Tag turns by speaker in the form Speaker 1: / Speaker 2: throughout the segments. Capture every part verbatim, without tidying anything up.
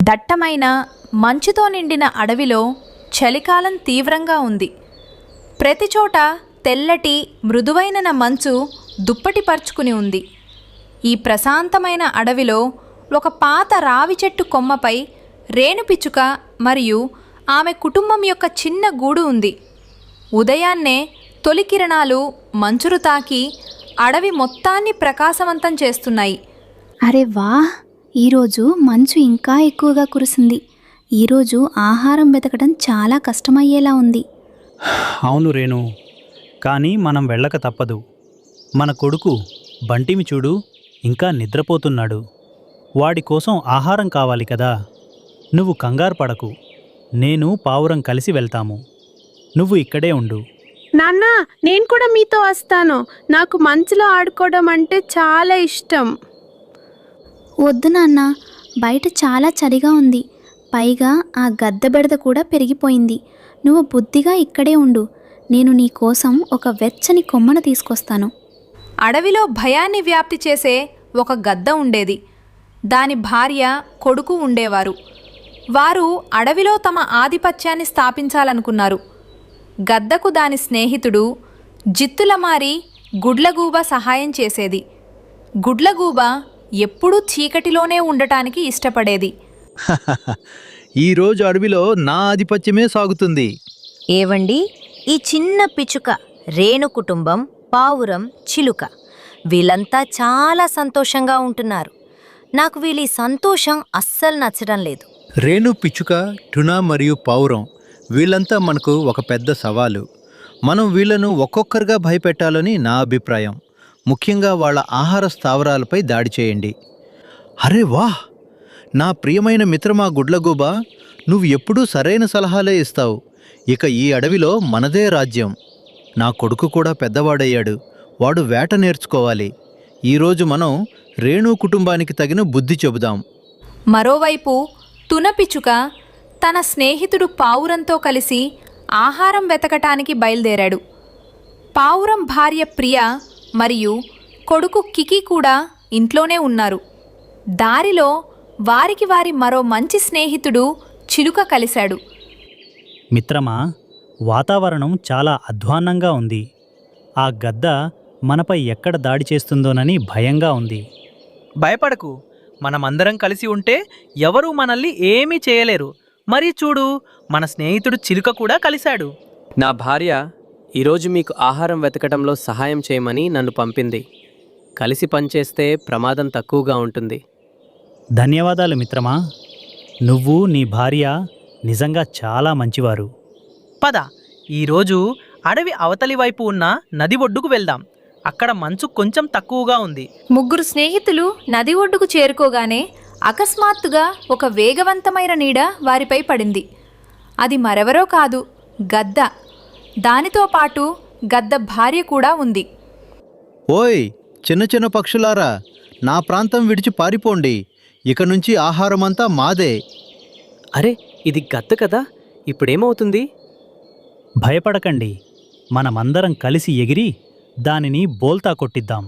Speaker 1: దట్టమైన మంచుతో నిండిన అడవిలో చలికాలం తీవ్రంగా ఉంది. ప్రతిచోట తెల్లటి మృదువైన మంచు దుప్పటి పరుచుకుని ఉంది. ఈ ప్రశాంతమైన అడవిలో ఒక పాత రావి చెట్టు కొమ్మపై రేణుపిచ్చుక మరియు ఆమె కుటుంబం యొక్క చిన్న గూడు ఉంది. ఉదయాన్నే తొలి కిరణాలు మంచురు తాకి అడవి మొత్తాన్ని ప్రకాశవంతం చేస్తున్నాయి.
Speaker 2: అరే వా, ఈరోజు మంచు ఇంకా ఎక్కువగా కురిసింది. ఈరోజు ఆహారం వెతకడం చాలా కష్టమయ్యేలా ఉంది.
Speaker 3: అవును రేణు, కానీ మనం వెళ్ళక తప్పదు. మన కొడుకు బంటిమి చూడు, ఇంకా నిద్రపోతున్నాడు. వాడి కోసం ఆహారం కావాలి కదా. నువ్వు కంగారు పడకు, నేను పావురం కలిసి వెళ్తాము. నువ్వు ఇక్కడే ఉండు.
Speaker 4: నాన్న, నేను కూడా మీతో వస్తాను. నాకు మంచులో ఆడుకోవడం అంటే చాలా ఇష్టం.
Speaker 2: వద్దు నాన్న, బయట చాలా చలిగా ఉంది. పైగా ఆ గద్ద బెడద కూడా పెరిగిపోయింది. నువ్వు బుద్ధిగా ఇక్కడే ఉండు. నేను నీ కోసం ఒక వెచ్చని కొమ్మను తీసుకొస్తాను.
Speaker 1: అడవిలో భయాన్ని వ్యాప్తి చేసే ఒక గద్ద ఉండేది. దాని భార్య, కొడుకు ఉండేవారు. వారు అడవిలో తమ ఆధిపత్యాన్ని స్థాపించాలనుకున్నారు. గద్దకు దాని స్నేహితుడు జిత్తులమారి గుడ్లగూబ సహాయం చేసేది. గుడ్లగూబ ఎప్పుడూ చీకటిలోనే ఉండటానికి ఇష్టపడేది.
Speaker 5: ఈరోజు అడవిలో నా ఆధిపత్యమే సాగుతుంది.
Speaker 6: ఏవండి, ఈ చిన్న పిచ్చుక, రేణు కుటుంబం, పావురం, చిలుక వీళ్ళంతా చాలా సంతోషంగా ఉంటున్నారు. నాకు వీళ్ళ సంతోషం అస్సలు నచ్చడం లేదు.
Speaker 5: రేణు, పిచ్చుక, టునా మరియు పావురం వీళ్ళంతా మనకు ఒక పెద్ద సవాలు. మనం వీళ్లను ఒక్కొక్కరుగా భయపెట్టాలని నా అభిప్రాయం. ముఖ్యంగా వాళ్ళ ఆహార స్థావరాలపై దాడి చేయండి. అరే వాహ్, నా ప్రియమైన మిత్రమా గుడ్లగూబ, నువ్వు ఎప్పుడూ సరైన సలహాలే ఇస్తావు. ఇక ఈ అడవిలో మనదే రాజ్యం. నా కొడుకు కూడా పెద్దవాడయ్యాడు. వాడు వేట నేర్చుకోవాలి. ఈరోజు మనం రేణు కుటుంబానికి తగిన బుద్ధి చెబుదాం.
Speaker 1: మరోవైపు తునపిచుక తన స్నేహితుడు పావురంతో కలిసి ఆహారం వెతకటానికి బయలుదేరాడు. పావురం భార్య ప్రియ మరియు కొడుకు కికి కూడా ఇంట్లోనే ఉన్నారు. దారిలో వారికి వారి మరో మంచి స్నేహితుడు చిలుక కలిశాడు.
Speaker 3: మిత్రమా, వాతావరణం చాలా అధ్వాన్నంగా ఉంది. ఆ గద్ద మనపై ఎక్కడ దాడి చేస్తుందోనని భయంగా ఉంది.
Speaker 7: భయపడకు, మనమందరం కలిసి ఉంటే ఎవరూ మనల్ని ఏమీ చేయలేరు. మరి చూడు, మన స్నేహితుడు చిలుక కూడా కలిశాడు.
Speaker 8: నా భార్య ఈరోజు మీకు ఆహారం వెతకడంలో సహాయం చేయమని నన్ను పంపింది. కలిసి పనిచేస్తే ప్రమాదం తక్కువగా ఉంటుంది.
Speaker 3: ధన్యవాదాలు మిత్రమా. నువ్వు, నీ భార్య నిజంగా చాలా మంచివారు.
Speaker 7: పద, ఈరోజు అడవి అవతలి వైపు ఉన్న నది ఒడ్డుకు వెళ్దాం. అక్కడ మంచు కొంచెం తక్కువగా ఉంది.
Speaker 1: ముగ్గురు స్నేహితులు నది ఒడ్డుకు చేరుకోగానే అకస్మాత్తుగా ఒక వేగవంతమైన నీడ వారిపై పడింది. అది మరెవరో కాదు, గద్ద. దానితో పాటు గద్ద భార్య కూడా ఉంది.
Speaker 5: ఓయ్ చిన్న చిన్న పక్షులారా, నా ప్రాంతం విడిచి పారిపోండి. ఇక నుంచి ఆహారమంతా మాదే.
Speaker 8: అరే, ఇది గద్ద కదా, ఇప్పుడేమవుతుంది?
Speaker 3: భయపడకండి, మనమందరం కలిసి ఎగిరి దానిని బోల్తా కొట్టిద్దాం.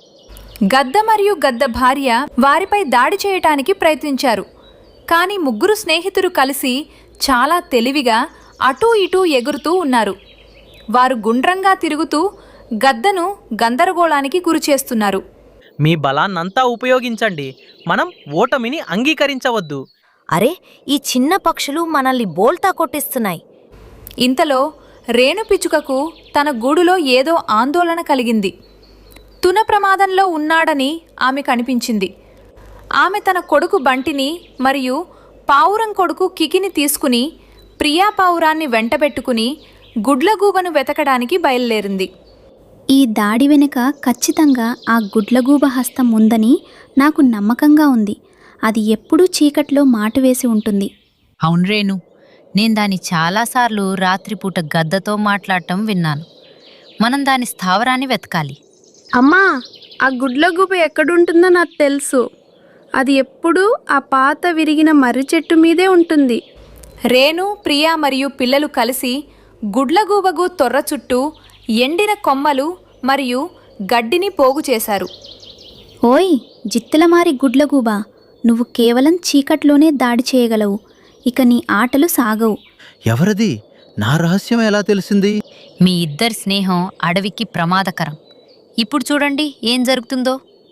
Speaker 1: గద్ద మరియు గద్ద భార్య వారిపై దాడి చేయటానికి ప్రయత్నించారు. కానీ ముగ్గురు స్నేహితులు కలిసి చాలా తెలివిగా అటూ ఇటూ ఎగురుతూ ఉన్నారు. వారు గుండ్రంగా తిరుగుతూ గద్దను గందరగోళానికి గురిచేస్తున్నారు.
Speaker 7: మీ బలాన్నంతా ఉపయోగించండి. మనం ఓటమిని అంగీకరించవద్దు.
Speaker 6: అరే, ఈ చిన్న పక్షులు మనల్ని బోల్తా కొట్టిస్తున్నాయి.
Speaker 1: ఇంతలో రేణుపిచుకకు తన గూడులో ఏదో ఆందోళన కలిగింది. తున ప్రమాదంలో ఉన్నాడని ఆమె కనిపించింది. ఆమె తన కొడుకు బంటిని మరియు పావురం కొడుకు కికిని తీసుకుని ప్రియా పావురాన్ని వెంటబెట్టుకుని గుడ్లగూబను వెతకడానికి బయలుదేరింది.
Speaker 2: ఈ దాడి వెనుక ఖచ్చితంగా ఆ గుడ్లగూబ హస్తం ఉందని నాకు నమ్మకంగా ఉంది. అది ఎప్పుడూ చీకట్లో మాటు వేసి ఉంటుంది.
Speaker 9: అవును రేణు, నేను దాన్ని చాలాసార్లు రాత్రిపూట గద్దతో మాట్లాడటం విన్నాను. మనం దాని స్థావరాన్ని వెతకాలి.
Speaker 4: అమ్మా, ఆ గుడ్లగూబ ఎక్కడుంటుందో నాకు తెలుసు. అది ఎప్పుడూ ఆ పాత విరిగిన మర్రి చెట్టు మీదే ఉంటుంది.
Speaker 1: రేణు, ప్రియా మరియు పిల్లలు కలిసి గుడ్లగూబగు తొర్ర చుట్టూ ఎండిన కొమ్మలు మరియు గడ్డిని పోగు చేశారు.
Speaker 2: ఓయ్ జిత్తులమారి గుడ్లగూబ, నువ్వు కేవలం చీకట్లోనే దాడి చేయగలవు. ఇక నీ ఆటలు సాగవు.
Speaker 5: ఎవరది? నా రహస్యం ఎలా తెలిసింది?
Speaker 9: మీ ఇద్దరి స్నేహం అడవికి ప్రమాదకరం. ఇప్పుడు చూడండి ఏం జరుగుతుందో.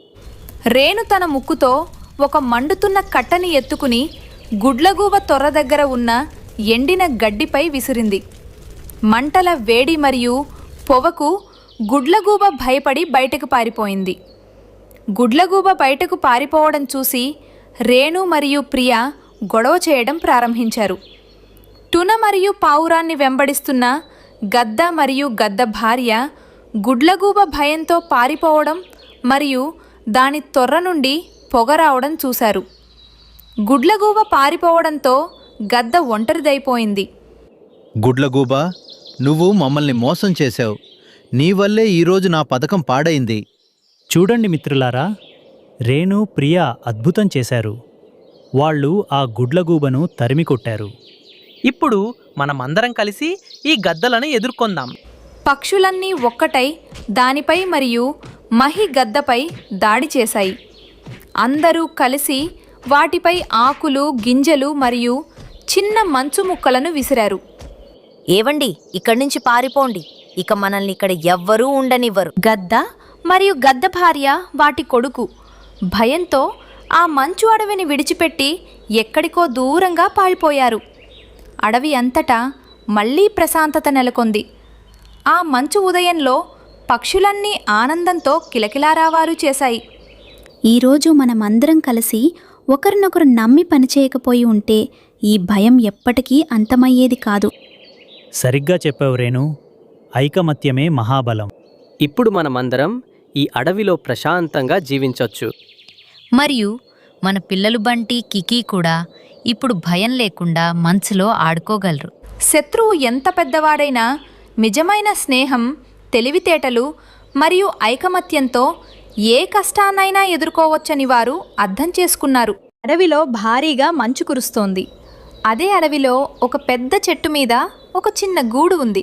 Speaker 1: రేణు తన ముక్కుతో ఒక మండుతున్న కట్టని ఎత్తుకుని గుడ్లగూబ తొర్ర దగ్గర ఉన్న ఎండిన గడ్డిపై విసిరింది. మంటల వేడి మరియు పొవకు గుడ్లగూబ భయపడి బయటకు పారిపోయింది. గుడ్లగూబ బయటకు పారిపోవడం చూసి రేణు మరియు ప్రియ గొడవ చేయడం ప్రారంభించారు. టున మరియు పావురాన్ని వెంబడిస్తున్న గద్ద మరియు గద్ద భార్య గుడ్లగూబ భయంతో పారిపోవడం మరియు దాని తొర్ర నుండి పొగ రావడం చూశారు. గుడ్లగూబ పారిపోవడంతో గద్ద ఒంటరిదైపోయింది.
Speaker 5: గుడ్లగూబా, నువ్వు మమ్మల్ని మోసం చేశావు. నీ వల్లే ఈరోజు నా పథకం పాడైంది.
Speaker 3: చూడండి మిత్రులారా, రేణు ప్రియ అద్భుతం చేశారు. వాళ్ళు ఆ గుడ్లగూబను తరిమి కొట్టారు.
Speaker 7: ఇప్పుడు మనమందరం కలిసి ఈ గద్దలను ఎదుర్కొందాం.
Speaker 1: పక్షులన్నీ ఒక్కటై దానిపై మరియు మహి గద్దపై దాడి చేశాయి. అందరూ కలిసి వాటిపై ఆకులు, గింజలు మరియు చిన్న మంచు ముక్కలను విసిరారు.
Speaker 6: ఏవండి, ఇక్కడి నుంచి పారిపోండి. ఇక మనల్ని ఇక్కడ ఎవ్వరూ ఉండనివ్వరు.
Speaker 1: గద్ద మరియు గద్ద భార్య వాటి కొడుకు భయంతో ఆ మంచు అడవిని విడిచిపెట్టి ఎక్కడికో దూరంగా పారిపోయారు. అడవి అంతటా మళ్ళీ ప్రశాంతత నెలకొంది. ఆ మంచు ఉదయంలో పక్షులన్నీ ఆనందంతో కిలకిలారావాలు చేశాయి.
Speaker 2: ఈరోజు మనమందరం కలిసి ఒకరినొకరు నమ్మి పనిచేయకపోయి ఉంటే ఈ భయం ఎప్పటికీ అంతమయ్యేది కాదు.
Speaker 3: సరిగ్గా చెప్పావు రేణు. ఐకమత్యమే మహాబలం.
Speaker 8: ఇప్పుడు మనమందరం ఈ అడవిలో ప్రశాంతంగా జీవించొచ్చు.
Speaker 9: మరియు మన పిల్లలు బంటి, కికీ కూడా ఇప్పుడు భయం లేకుండా మంచులో ఆడుకోగలరు.
Speaker 1: శత్రువు ఎంత పెద్దవాడైనా నిజమైన స్నేహం, తెలివితేటలు మరియు ఐకమత్యంతో ఏ కష్టాన్నైనా ఎదుర్కోవచ్చని వారు అర్థం చేసుకున్నారు. అడవిలో భారీగా మంచు కురుస్తోంది. అదే అడవిలో ఒక పెద్ద చెట్టు మీద ఒక చిన్న గూడు ఉంది.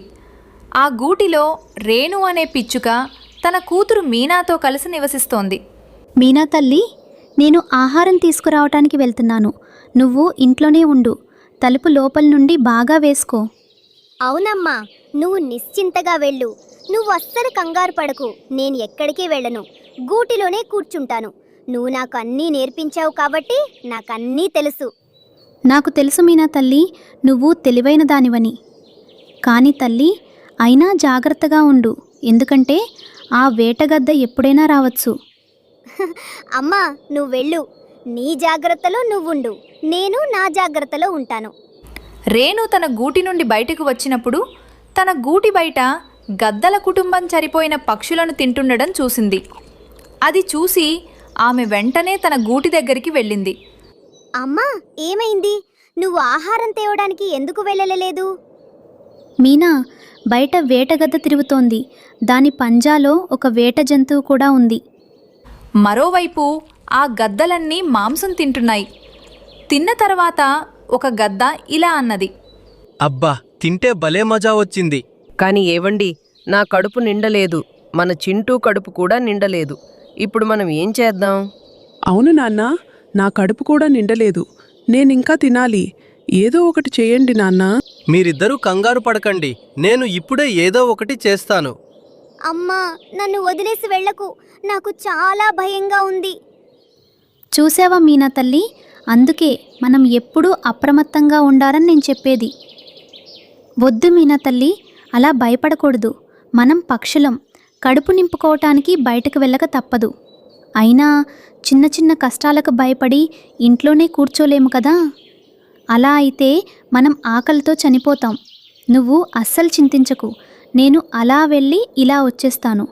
Speaker 1: ఆ గూటిలో రేణు అనే పిచ్చుక తన కూతురు మీనాతో కలిసి నివసిస్తోంది.
Speaker 2: మీనా తల్లి, నేను ఆహారం తీసుకురావటానికి వెళ్తున్నాను. నువ్వు ఇంట్లోనే ఉండు. తలుపు లోపల నుండి బాగా వేసుకో.
Speaker 10: అవునమ్మా, నువ్వు నిశ్చింతగా వెళ్ళు. నువ్వు అస్సలు కంగారు పడకు. నేను ఎక్కడికి వెళ్ళను. గూటిలోనే కూర్చుంటాను. నువ్వు నాకు అన్నీ నేర్పించావు కాబట్టి నాకన్నీ తెలుసు.
Speaker 2: నాకు తెలుసు మీనా తల్లి, నువ్వు తెలివైన దానివని. కానీ తల్లి, అయినా జాగ్రత్తగా ఉండు. ఎందుకంటే ఆ వేటగద్ద ఎప్పుడైనా రావచ్చు.
Speaker 10: అమ్మా, నువ్వు వెళ్ళు. నీ జాగ్రత్తలో నువ్వుండు. నేను నా జాగ్రత్తలో ఉంటాను.
Speaker 1: రేణు తన గూటి నుండి బయటకు వచ్చినప్పుడు తన గూటి బయట గద్దల కుటుంబం చనిపోయిన పక్షులను తింటుండడం చూసింది. అది చూసి ఆమె వెంటనే తన గూటి దగ్గరికి వెళ్ళింది.
Speaker 10: అమ్మా, ఏమైంది? నువ్వు ఆహారం తేవడానికి ఎందుకు వెళ్ళలేదు?
Speaker 2: మీనా, బయట వేటగద్ద తిరుగుతోంది. దాని పంజాలో ఒక వేట జంతువు కూడా ఉంది.
Speaker 1: మరోవైపు ఆ గద్దలన్నీ మాంసం తింటున్నాయి. తిన్న తర్వాత ఒక గద్ద ఇలా అన్నది.
Speaker 11: అబ్బా, తింటే భలే మజా వచ్చింది.
Speaker 12: కాని ఏవండి, నా కడుపు నిండలేదు. మన చింటూ కడుపు కూడా నిండలేదు. ఇప్పుడు మనం ఏం చేద్దాం?
Speaker 13: అవును నాన్నా, నా కడుపు కూడా నిండలేదు. నేనింకా తినాలి. ఏదో ఒకటి చేయండి నాన్నా.
Speaker 11: మీరిద్దరూ కంగారు పడకండి. నేను ఇప్పుడే ఏదో ఒకటి చేస్తాను.
Speaker 10: అమ్మా, నన్ను వదిలేసి వెళ్ళకు. నాకు చాలా భయంగా ఉంది.
Speaker 2: చూసావా మీనా తల్లి, అందుకే మనం ఎప్పుడూ అప్రమత్తంగా ఉండాలని నేను చెప్పేది. వద్దు మీనా తల్లి, అలా భయపడకూడదు. మనం పక్షులం. కడుపు నింపుకోవటానికి బయటకు వెళ్ళక తప్పదు. అయినా చిన్న చిన్న కష్టాలకు భయపడి ఇంట్లోనే కూర్చోలేము కదా. అలా అయితే మనం ఆకలితో చనిపోతాం. నువ్వు అస్సలు చింతించకు. నేను అలా వెళ్ళి ఇలా వచ్చేస్తాను.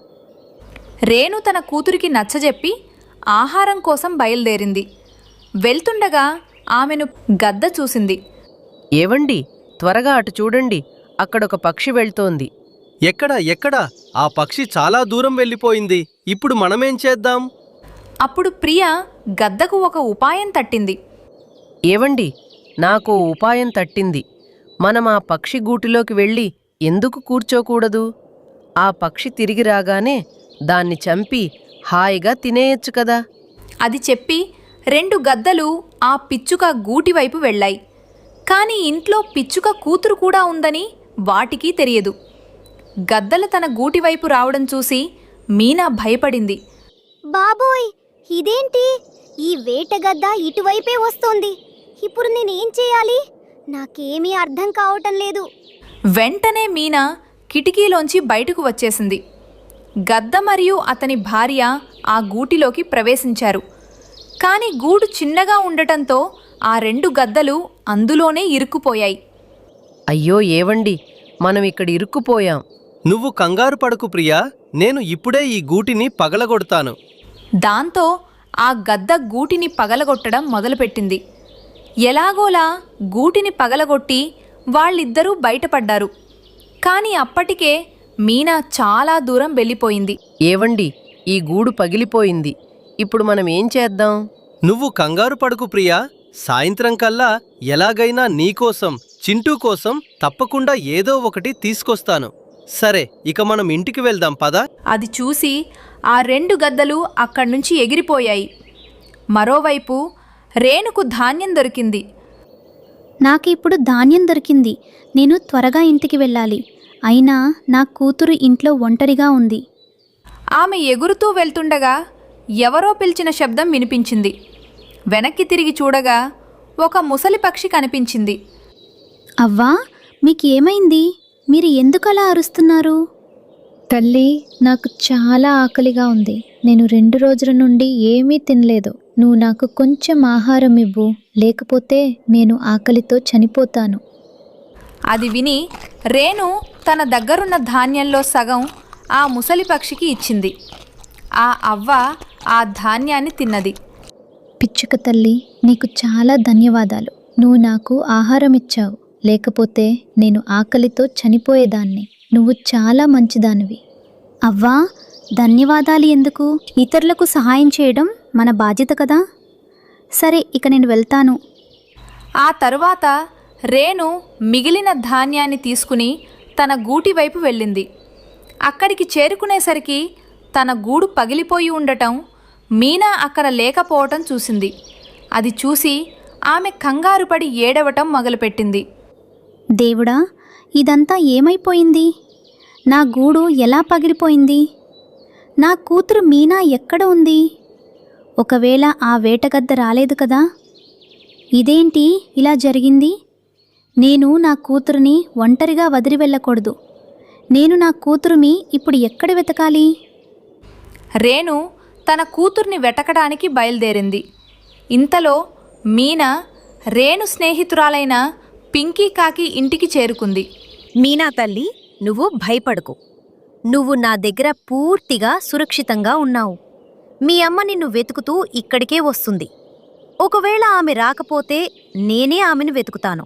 Speaker 1: రేణు తన కూతురికి నచ్చజెప్పి ఆహారం కోసం బయలుదేరింది. వెళ్తుండగా ఆమెను గద్ద చూసింది.
Speaker 12: ఏవండి, త్వరగా అటు చూడండి. అక్కడొక పక్షి వెళ్తోంది.
Speaker 11: ఎక్కడ ఎక్కడ? ఆ పక్షి చాలా దూరం వెళ్ళిపోయింది. ఇప్పుడు మనమేం చేద్దాం?
Speaker 1: అప్పుడు ప్రియ గద్దకు ఒక ఉపాయం తట్టింది.
Speaker 12: ఏవండి, నాకు ఉపాయం తట్టింది. మనం ఆ పక్షి గూటిలోకి వెళ్ళి ఎందుకు కూర్చోకూడదు? ఆ పక్షి తిరిగి రాగానే దాన్ని చంపి హాయిగా తినేయచ్చు కదా.
Speaker 1: అది చెప్పి రెండు గద్దలు ఆ పిచ్చుక గూటి వైపు వెళ్ళాయి. కానీ ఇంట్లో పిచ్చుక కూతురు కూడా ఉందని వాటికి తెలియదు. గద్దలు తన గూటి వైపు రావడం చూసి మీనా భయపడింది.
Speaker 10: బాబోయ్, ఇదేంటి? ఈ వేటగద్ద ఇటువైపే వస్తోంది. ఇప్పుడు నేనేం చేయాలి? నాకేమీ అర్థం కావటం లేదు.
Speaker 1: వెంటనే మీనా కిటికీలోంచి బయటకు వచ్చేసింది. గద్ద మరియు అతని భార్య ఆ గూటిలోకి ప్రవేశించారు. కానీ గూడు చిన్నగా ఉండటంతో ఆ రెండు గద్దలు అందులోనే ఇరుక్కుపోయాయి.
Speaker 12: అయ్యో ఏవండి, మనం ఇక్కడ ఇరుక్కుపోయాం.
Speaker 11: నువ్వు కంగారు పడకు ప్రియా, నేను ఇప్పుడే ఈ గూటిని పగలగొడతాను.
Speaker 1: దాంతో ఆ గద్ద గూటిని పగలగొట్టడం మొదలుపెట్టింది. ఎలాగోలా గూటిని పగలగొట్టి వాళ్ళిద్దరూ బయటపడ్డారు. కానీ అప్పటికే మీనా చాలా దూరం వెళ్ళిపోయింది.
Speaker 12: ఏవండి, ఈ గూడు పగిలిపోయింది. ఇప్పుడు మనం ఏం చేద్దాం?
Speaker 11: నువ్వు కంగారు పడకు ప్రియా, సాయంత్రం కల్లా ఎలాగైనా నీకోసం చింటూ కోసం తప్పకుండా ఏదో ఒకటి తీసుకొస్తాను. సరే, ఇక మనం ఇంటికి వెళ్దాం పదా.
Speaker 1: అది చూసి ఆ రెండు గద్దలు అక్కడ్నుంచి ఎగిరిపోయాయి. మరోవైపు రేణుకు ధాన్యం దొరికింది.
Speaker 2: నాకు ఇప్పుడు ధాన్యం దొరికింది. నేను త్వరగా ఇంటికి వెళ్ళాలి. అయినా నా కూతురు ఇంట్లో ఒంటరిగా ఉంది.
Speaker 1: ఆమె ఎగురుతూ వెళ్తుండగా ఎవరో పిలిచిన శబ్దం వినిపించింది. వెనక్కి తిరిగి చూడగా ఒక ముసలి పక్షి కనిపించింది.
Speaker 2: అవ్వా, మీకు ఏమైంది? మీరు ఎందుకలా అరుస్తున్నారు? తల్లి, నాకు చాలా ఆకలిగా ఉంది. నేను రెండు రోజుల నుండి ఏమీ తినలేదు. నువ్వు నాకు కొంచెం ఆహారం ఇవ్వు, లేకపోతే నేను ఆకలితో చనిపోతాను.
Speaker 1: అది విని రేణు తన దగ్గరున్న ధాన్యంలో సగం ఆ ముసలి పక్షికి ఇచ్చింది. ఆ అవ్వ ఆ ధాన్యాన్ని తిన్నది.
Speaker 2: పిచ్చుక తల్లి, నీకు చాలా ధన్యవాదాలు. నువ్వు నాకు ఆహారం ఇచ్చావు, లేకపోతే నేను ఆకలితో చనిపోయేదాన్ని. నువ్వు చాలా మంచిదానివి. అవ్వా, ధన్యవాదాలు ఎందుకు? ఇతరులకు సహాయం చేయడం మన బాధ్యత కదా. సరే, ఇక నేను వెళ్తాను.
Speaker 1: ఆ తరువాత రేణు మిగిలిన ధాన్యాన్ని తీసుకుని తన గూటి వైపు వెళ్ళింది. అక్కడికి చేరుకునేసరికి తన గూడు పగిలిపోయి ఉండటం, మీనా అక్కడ లేకపోవటం చూసింది. అది చూసి ఆమె కంగారుపడి ఏడవటం మొదలుపెట్టింది.
Speaker 2: దేవుడా, ఇదంతా ఏమైపోయింది? నా గూడు ఎలా పగిలిపోయింది? నా కూతురు మీనా ఎక్కడ ఉంది? ఒకవేళ ఆ వేటగద్ద రాలేదు కదా? ఇదేంటి ఇలా జరిగింది? నేను నా కూతురుని ఒంటరిగా వదిలి వెళ్ళకూడదు. నేను నా కూతురుని ఇప్పుడు ఎక్కడ వెతకాలి?
Speaker 1: రేణు తన కూతుర్ని వెతకడానికి బయలుదేరింది. ఇంతలో మీనా రేణు స్నేహితురాలైన పింకీ కాకి ఇంటికి చేరుకుంది.
Speaker 6: మీనా తల్లి, నువ్వు భయపడకు. నువ్వు నా దగ్గర పూర్తిగా సురక్షితంగా ఉన్నావు. మీ అమ్మ నిన్ను వెతుకుతూ ఇక్కడికే వస్తుంది. ఒకవేళ ఆమె రాకపోతే నేనే ఆమెను వెతుకుతాను.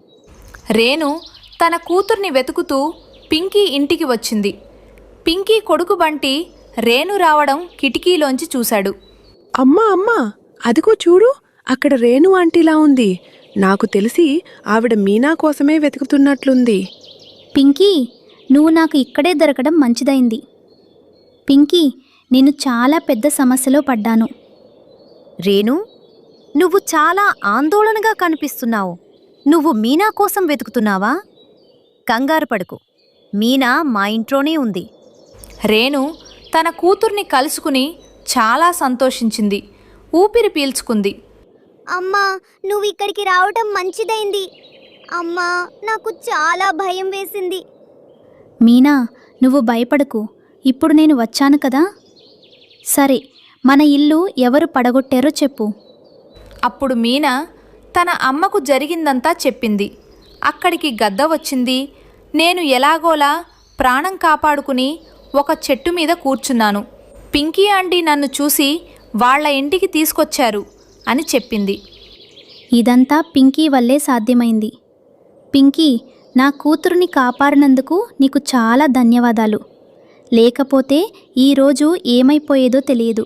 Speaker 1: రేణు తన కూతుర్ని వెతుకుతూ పింకీ ఇంటికి వచ్చింది. పింకీ కొడుకు బంటి రేణు రావడం కిటికీలోంచి చూశాడు.
Speaker 13: అమ్మా అమ్మా, అదిగో చూడు, అక్కడ రేణు ఆంటీలా ఉంది. నాకు తెలిసి ఆవిడ మీనా కోసమే వెతుకుతున్నట్లుంది.
Speaker 2: పింకీ, నువ్వు నాకు ఇక్కడే దొరకడం మంచిదైంది. పింకీ, నేను చాలా పెద్ద సమస్యలో పడ్డాను.
Speaker 6: రేణు, నువ్వు చాలా ఆందోళనగా కనిపిస్తున్నావు. నువ్వు మీనా కోసం వెతుకుతున్నావా? కంగారు పడకు, మీనా మా ఇంట్లోనే ఉంది.
Speaker 1: రేణు తన కూతుర్ని కలుసుకుని చాలా సంతోషించింది. ఊపిరి పీల్చుకుంది.
Speaker 10: అమ్మా, నువ్వు ఇక్కడికి రావటం మంచిదైంది. అమ్మా, నాకు చాలా భయం వేసింది.
Speaker 2: మీనా, నువ్వు భయపడకు. ఇప్పుడు నేను వచ్చాను కదా. సరే, మన ఇల్లు ఎవరు పడగొట్టారో చెప్పు.
Speaker 1: అప్పుడు మీనా తన అమ్మకు జరిగిందంతా చెప్పింది. అక్కడికి గద్ద వచ్చింది. నేను ఎలాగోలా ప్రాణం కాపాడుకుని ఒక చెట్టు మీద కూర్చున్నాను. పింకీ ఆంటీ నన్ను చూసి వాళ్ళ ఇంటికి తీసుకొచ్చారు అని చెప్పింది.
Speaker 2: ఇదంతా పింకీ వల్లే సాధ్యమైంది. పింకీ, నా కూతురుని కాపాడినందుకు నీకు చాలా ధన్యవాదాలు. లేకపోతే ఈరోజు ఏమైపోయేదో తెలియదు.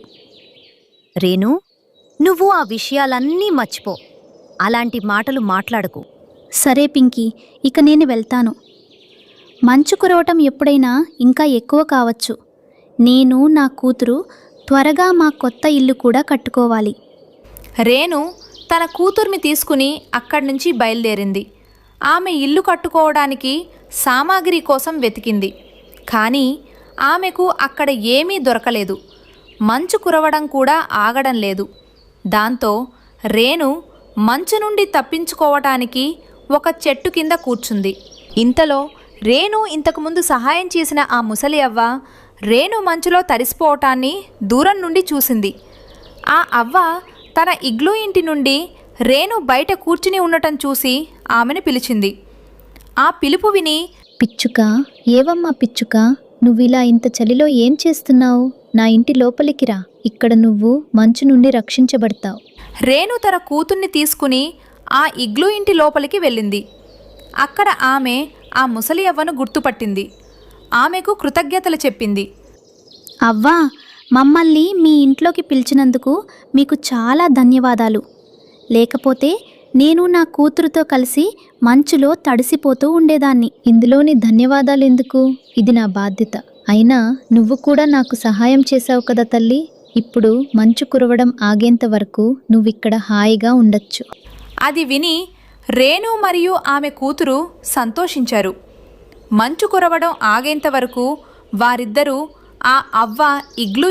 Speaker 6: రేణు, నువ్వు ఆ విషయాలన్నీ మర్చిపో. అలాంటి మాటలు మాట్లాడకు.
Speaker 2: సరే పింకీ, ఇక నేను వెళ్తాను. మంచు కురవటం ఎప్పుడైనా ఇంకా ఎక్కువ కావచ్చు. నేను నా కూతురు త్వరగా మా కొత్త ఇల్లు కూడా కట్టుకోవాలి.
Speaker 1: రేణు తన కూతుర్ని తీసుకుని అక్కడి నుంచి బయలుదేరింది. ఆమె ఇల్లు కట్టుకోవడానికి సామాగ్రి కోసం వెతికింది. కానీ ఆమెకు అక్కడ ఏమీ దొరకలేదు. మంచు కురవడం కూడా ఆగడం లేదు. దాంతో రేణు మంచు నుండి తప్పించుకోవటానికి ఒక చెట్టు కింద కూర్చుంది. ఇంతలో రేణు ఇంతకుముందు సహాయం చేసిన ఆ ముసలి అవ్వ రేణు మంచులో తడిసిపోవటాన్ని దూరం నుండి చూసింది. ఆ అవ్వ తన ఇగ్లూ ఇంటి నుండి రేణు బయట కూర్చుని ఉండటం చూసి ఆమెను పిలిచింది. ఆ పిలుపు విని,
Speaker 2: పిచ్చుక, ఏవమ్మా పిచ్చుక, నువ్విలా ఇంత చలిలో ఏం చేస్తున్నావు? నా ఇంటి లోపలికి రా, ఇక్కడ నువ్వు మంచు నుండి రక్షించబడతావు.
Speaker 1: రేణు తన కూతుర్ని తీసుకుని ఆ ఇగ్లూ ఇంటి లోపలికి వెళ్ళింది. అక్కడ ఆమె ఆ ముసలి అవ్వను గుర్తుపట్టింది. ఆమెకు కృతజ్ఞతలు చెప్పింది.
Speaker 2: అవ్వా, మమ్మల్ని మీ ఇంట్లోకి పిలిచినందుకు మీకు చాలా ధన్యవాదాలు. లేకపోతే నేను నా కూతురుతో కలిసి మంచులో తడిసిపోతూ ఉండేదాన్ని. ఇందులోని ధన్యవాదాలు ఎందుకు? ఇది నా బాధ్యత. అయినా నువ్వు కూడా నాకు సహాయం చేశావు కదా తల్లి. ఇప్పుడు మంచు కురవడం ఆగేంత వరకు నువ్విక్కడ హాయిగా ఉండొచ్చు.
Speaker 1: అది విని రేణు మరియు ఆమె కూతురు సంతోషించారు. మంచు కురవడం ఆగేంత వరకు వారిద్దరూ ఆ అవ్వ ఇగ్లూ